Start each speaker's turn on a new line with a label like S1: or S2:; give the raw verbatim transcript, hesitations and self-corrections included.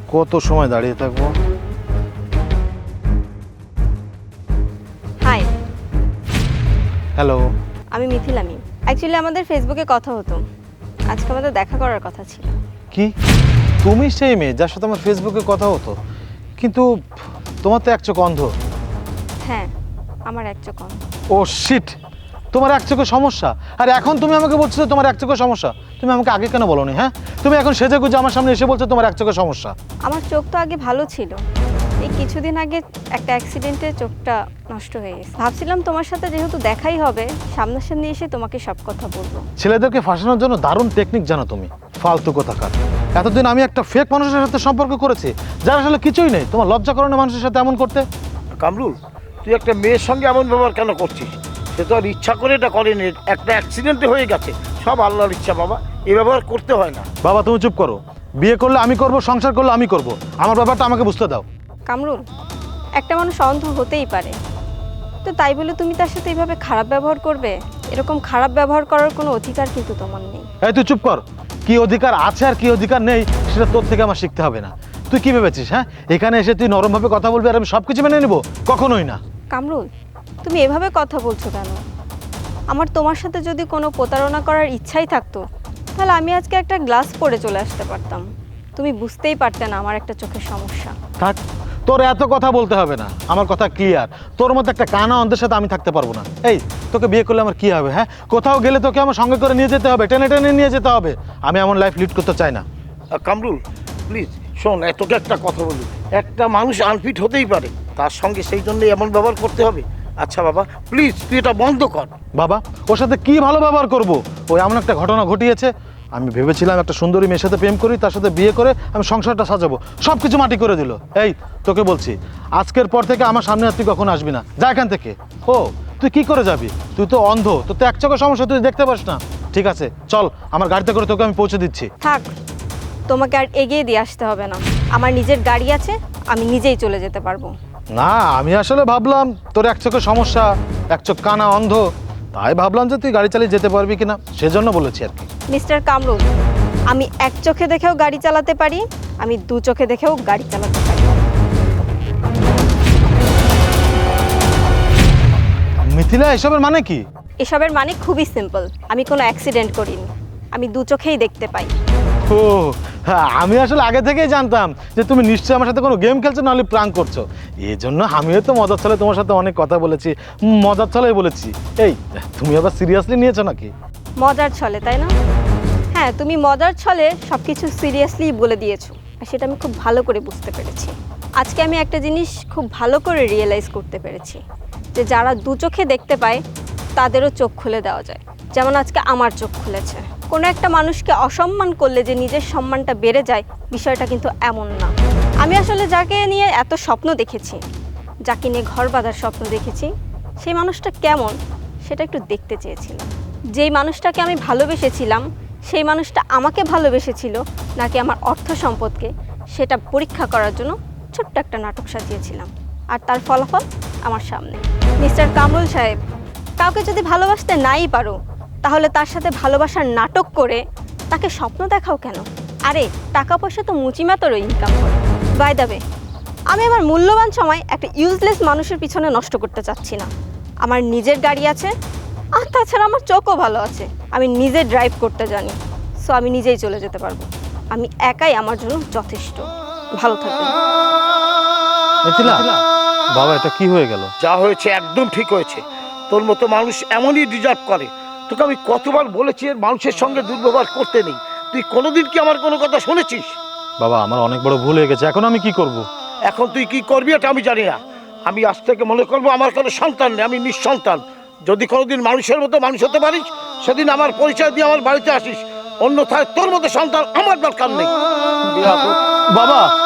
S1: কত সময় দাঁড়িয়ে থাকবো?
S2: Hi,
S1: hello.
S2: আমি মিথিলা মিম। অ্যাকচুয়ালি আমাদের ফেসবুকে কথা হতো, আজকে আমাদের দেখা করার কথা ছিল।
S1: কি তুমি সেই মেয়ে যার সাথে আমার ফেসবুকে কথা হতো? কিন্তু তোমার তো এক চোখ অন্ধ।
S2: হ্যাঁ, আমার এক চোখ অন্ধ।
S1: ও শিট, তোমার এক চোখে সমস্যা। আর এখন তুমি আমাকে বলছো যে তোমার এক চোখে সমস্যা। তুমি আমাকে আগে কেন বলোনি? হ্যাঁ, তুমি এখন সেজে গুজে আমার সামনে এসে বলছো তোমার এক চোখে সমস্যা।
S2: আমার চোখ তো আগে ভালো ছিল, এই কিছুদিন আগে একটা অ্যাক্সিডেন্টে চোখটা নষ্ট হয়ে গেছে। ভাবছিলাম তোমার সাথে যেহেতু দেখাই হবে, সামনাসামনি এসে তোমাকে সব কথা বলবো।
S1: ছেলেদেরকে ফাঁসানোর জন্য দারুণ টেকনিক জানো তুমি, ফালতু কোথাকার। এতদিন আমি একটা ফেক মানুষের সাথে সম্পর্ক করেছি যার আসলে কিছুই নেই। তোমার লজ্জা করে না মানুষের সাথে এমন করতে?
S3: কামরুল, তুই একটা মেয়ের সঙ্গে এমন ব্যবহার কেন করছিস? সে তো আর ইচ্ছা করে এটা করেনি, একটা অ্যাক্সিডেন্টে হয়ে গেছে। সব আল্লাহর ইচ্ছা বাবা, এই ব্যবহার করতে হয় না।
S1: বাবা তুমি চুপ করো। বিয়ে করলে আমি করব, সংসার করলে আমি করব। আমার ব্যাপারটা আমাকে বুঝতে দাও।
S2: কামরুল, একটা মানুষ অন্ধ হতেই পারে, তো তাই বলে তুমি তার সাথে এইভাবে খারাপ ব্যবহার করবে? এরকম খারাপ ব্যবহার করার কোনো অধিকার কিন্তু তোমার নেই।
S1: এই তুই চুপ কর। কি অধিকার আছে আর কি অধিকার নেই সেটা তোর থেকে আমার শিখতে হবে না। তুই কি ভেবেছিস? হ্যাঁ, এখানে এসে তুই নরমভাবে কথা বলবি আর আমি সব কিছু মেনে নেবো? কখনোই না।
S2: কামরুল, তুমি এভাবে কথা বলছো কেন? আমার তোমার সাথে যদি কোনো প্রতারণা করার ইচ্ছাই থাকতো, তাহলে আমি আজকে একটা গ্লাস পরে চলে আসতে পারতাম। তুমি বুঝতেই পারতে না আমার একটা চোখের সমস্যা।
S1: থাক, তোর এত কথা বলতে হবে না। আমার কথা ক্লিয়ার। তোর মতো একটা কানা অন্ধের সাথে আমি থাকতে পারবো না। এই, তোকে বিয়ে করলে আমার কি হবে? হ্যাঁ, কোথাও গেলে তোকে আমার সঙ্গে করে নিয়ে যেতে হবে, টেনে টেনে নিয়ে যেতে হবে। আমি এমন লাইফ লিড করতে চাই না।
S3: আহ, কামরুল প্লিজ শোন, এ তোকে একটা কথা বলি। একটা মানুষ আনফিট হতেই পারে, তার সঙ্গে সেই জন্যই এমন ব্যবহার করতে হবে? আচ্ছা বাবা প্লিজ, তুই এটা বন্ধ কর।
S1: বাবা, ওর সাথে কি ভালো ব্যবহার করবো? ওই এমন একটা ঘটনা ঘটিয়েছে। আমি ভেবেছিলাম একটা সুন্দরী মেয়ের সাথে প্রেম করি, তার সাথে বিয়ে করে আমি সংসারটা সাজাবো, সব কিছু মাটি করে দিল। এই, তোকে বলছি, আজকের পর থেকে আমার সামনে আর তুই কখন আসবি না। যা এখান থেকে। ও, তুই কি করে যাবি? তুই তো অন্ধ, তোর তো এক চোখের সমস্যা, তুই দেখতে পাস না। ঠিক আছে, চল আমার গাড়িতে করে তোকে আমি পৌঁছে দিচ্ছি।
S2: থাক, তোমাকে আর এগিয়ে দিয়ে আসতে হবে না। আমার নিজের গাড়ি আছে, আমি নিজেই চলে যেতে পারবো।
S1: না, আমি আসলে ভাবলাম তোর এক চোখের সমস্যা, এক চোখ কানা অন্ধ, তাই ভাবলাম যে তুই গাড়ি চালিয়ে যেতে পারবি কিনা, সেজন্য বলেছি আর কি।
S2: মিস্টার কামরুল, আমি এক চোখে দেখেও গাড়ি চালাতে পারি, আমি দু চোখে দেখেও গাড়ি চালাতে পারি।
S1: মিথিলা, এসবের মানে কি?
S2: এসবের মানে খুবই সিম্পল। আমি কোনো অ্যাক্সিডেন্ট করিনি, আমি দু চোখেই দেখতে পাই।
S1: ও হ্যাঁ, আমি আসলে আগে থেকেই জানতাম যে তুমি নিশ্চয়ই আমার সাথে কোনো গেম খেলছো, নাহলে প্রাঙ্ক করছো। এই জন্য আমিও তো মজার ছলে তোমার সাথে অনেক কথা বলেছি, মজার ছলেই বলেছি। এই, তুমি আবার সিরিয়াসলি নিয়েছো নাকি?
S2: মজার ছলে, তাই না? হ্যাঁ, তুমি মজার ছলে সব কিছু সিরিয়াসলি বলে দিয়েছো, আর সেটা আমি খুব ভালো করে বুঝতে পেরেছি। আজকে আমি একটা জিনিস খুব ভালো করে রিয়েলাইজ করতে পেরেছি, যে যারা দু চোখে দেখতে পায় তাদেরও চোখ খুলে দেওয়া যায়। যেমন আজকে আমার চোখ খুলেছে। কোনো একটা মানুষকে অসম্মান করলে যে নিজের সম্মানটা বেড়ে যায়, বিষয়টা কিন্তু এমন না। আমি আসলে যাকে নিয়ে এত স্বপ্ন দেখেছি, যাকে নিয়ে ঘর বাঁধার স্বপ্ন দেখেছি, সেই মানুষটা কেমন সেটা একটু দেখতে চেয়েছিলাম। যেই মানুষটাকে আমি ভালোবেসেছিলাম, সেই মানুষটা আমাকে ভালোবেসেছিল নাকি আমার অর্থ সম্পদকে, সেটা পরীক্ষা করার জন্য ছোট্ট একটা নাটক সাজিয়েছিলাম। আর তার ফলাফল আমার সামনে। মিস্টার কামরুল সাহেব, কাউকে যদি ভালোবাসতে নাই পারো, তাহলে তার সাথে ভালোবাসার নাটক করে তাকে স্বপ্ন দেখাও কেন? আরে টাকা পয়সা তো মুচিমাতরও ইনকাম করে। বাই দ্য ওয়ে, আমি আমার মূল্যবান সময় একটা ইউজলেস মানুষের পিছনে নষ্ট করতে চাচ্ছি না। আমার নিজের গাড়ি আছে, আর তাছাড়া আমার চোখও ভালো আছে। আমি নিজে ড্রাইভ করতে জানি, সো আমি নিজেই চলে যেতে পারবো। আমি একাই আমার জন্য যথেষ্ট। ভালো থাকবেন।
S1: মিথিলা, বাবা এটা কি হয়ে গেল?
S3: যা হয়েছে একদম ঠিক হয়েছে। তোর মতো মানুষ এমনই ডিজার্ভ করে। তোকে আমি কতবার বলেছি এর মানুষের সঙ্গে দুর্ব্যবহার করতে নেই। তুই কোনোদিন কি আমার কোনো কথা শুনেছিস?
S1: বাবা, আমার অনেক বড় ভুল হয়ে গেছে, এখন আমি কি করব?
S3: এখন তুই কি করবি এটা আমি জানি না। আমি আজ থেকে মনে করবো আমার কোনো সন্তান নেই, আমি নিঃসন্তান। যদি কোনোদিন মানুষের মতো মানুষ হতে পারিস, সেদিন আমার পরিচয় দিয়ে আমার বাড়িতে আসিস। অন্যথায় তোর মতো সন্তান আমার দরকার নেই।
S1: বাবা,